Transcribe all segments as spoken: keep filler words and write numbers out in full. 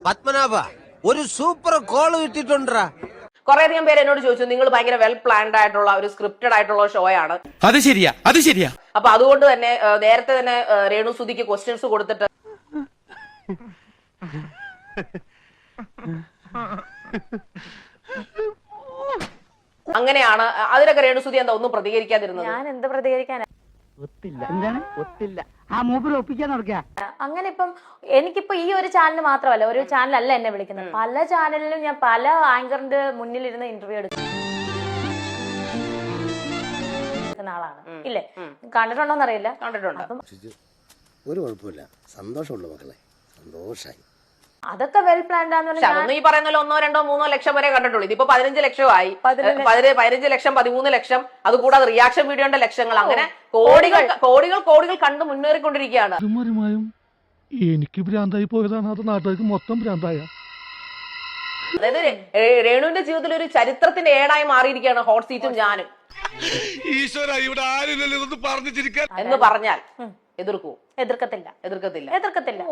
പത്മനാഭ ഒരു super call കിട്ടിട്ടുണ്ടാ. കുറെ അധികം പേര് എന്നോട് ചോദിച്ചു, നിങ്ങൾ ഭയങ്കര വെൽ പ്ലാൻഡ് ആയിട്ടുള്ള ഒരു സ്ക്രിപ്റ്റഡ് ആയിട്ടുള്ള ഷോ ആണ്. അത് ശരിയാ അത് ശരിയാ. അപ്പൊ അതുകൊണ്ട് തന്നെ നേരത്തെ തന്നെ രേണു സുധിക്ക് ക്വസ്റ്റ്യൻസ് കൊടുത്തിട്ട് അങ്ങനെയാണ്. അതിനൊക്കെ രേണു സുധി എന്താ ഒന്നും പ്രതികരിക്കാതിരുന്നത്? ഞാൻ എന്ത് പ്രതികരിക്കാനാ? ഒത്തില്ല എന്താണ് ഒത്തില്ല ആ മൂപ്പര് ഒപ്പിക്കാൻ നടക്കുക. അങ്ങനെ ഇപ്പം എനിക്കിപ്പോ ഈ ഒരു ചാനൽ മാത്രമല്ല, ഒരു ചാനലല്ല എന്നെ വിളിക്കുന്നത്, പല ചാനലിലും ഞാൻ പല ആങ്കറിന്റെ മുന്നിലിരുന്ന് ഇന്റർവ്യൂ എടുക്കുന്ന ആളാണ്. ഇല്ലേ, കണ്ടിട്ടുണ്ടോന്ന് അറിയില്ല. കണ്ടിട്ടുണ്ട്. അപ്പം ഒരു കുഴപ്പമില്ല, സന്തോഷമുള്ളൂ മക്കളെ, സന്തോഷായി. അതൊക്കെ വെൽ പ്ലാൻഡ് ആണെന്ന് പക്ഷെ അതൊന്നും ഈ പറയുന്ന ഒന്നോ രണ്ടോ മൂന്നോ ലക്ഷം വരെ കണ്ടിട്ടുള്ളൂ. ഇതിപ്പോ പതിനഞ്ച് ലക്ഷമായി, പതിനഞ്ച് ലക്ഷം പതിമൂന്ന് ലക്ഷം, അതുകൂടാതെ റിയാക്ഷൻ വീഡിയോന്റെ ലക്ഷങ്ങൾ, അങ്ങനെ കോടികൾ കോടികൾ കോടികൾ കണ്ട് മുന്നേറിക്കൊണ്ടിരിക്കുകയാണ്. എനിക്ക് ഭ്രാന്തായി പോയതാണ്, അത് നാട്ടുകാർക്ക് മൊത്തം ഭ്രാന്തായ. അതായത് രേണുവിന്റെ ജീവിതത്തിൽ ഒരു ചരിത്രത്തിന്റെ ഏടായി മാറിയിരിക്കുകയാണ് ഹോട്ട് സീറ്റും ഞാനും. എന്ന് പറഞ്ഞാൽ എതിർക്കൂ? എതിർക്കത്തില്ല, എതിർക്കത്തില്ല, എതിർക്കത്തില്ല.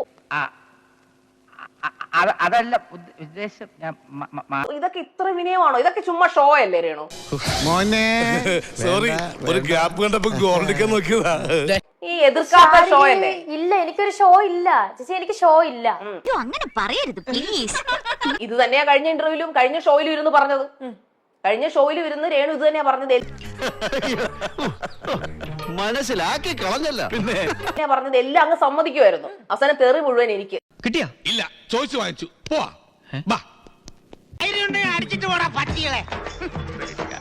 അതല്ല ഉദ്ദേശം. ഇതൊക്കെ ഇത്ര വിനയമാണോ? ഇതൊക്കെ ചുമ്മാ ഷോ അല്ലേ രേണു? മോനെ സോറി, ഒരു ഗ്യാപ്പ് കണ്ടപ്പോ ഗോൾഡിക്കാൻ നോക്കിയതാ. ഈ എതിർക്കാത്ത ഷോ അല്ലേ? ഇല്ല, എനിക്കൊരു ഷോ ഇല്ല ചേച്ചി, എനിക്ക് ഷോ ഇല്ല. അങ്ങനെ പറയരുത് പ്ലീസ്. ഇത് തന്നെയാ കഴിഞ്ഞ ഇന്റർവ്യൂലും കഴിഞ്ഞ ഷോയിലും ഇരുന്ന് പറഞ്ഞത്. കഴിഞ്ഞ ഷോയിലും ഇരുന്ന് രേണു ഇത് തന്നെയാ പറഞ്ഞത്. മനസ്സിലാക്കി കളഞ്ഞല്ല പിന്നെ പറഞ്ഞത് എല്ലാം അങ്ങ് സമ്മതിക്കുമായിരുന്നു. അവസാനം തെറി മുഴുവൻ എനിക്ക്. കിട്ടിയാ? ഇല്ല, ചോദിച്ചു വാങ്ങിച്ചു. പോവാ. അടിച്ചിട്ട് പോടാ പട്ടികളെ.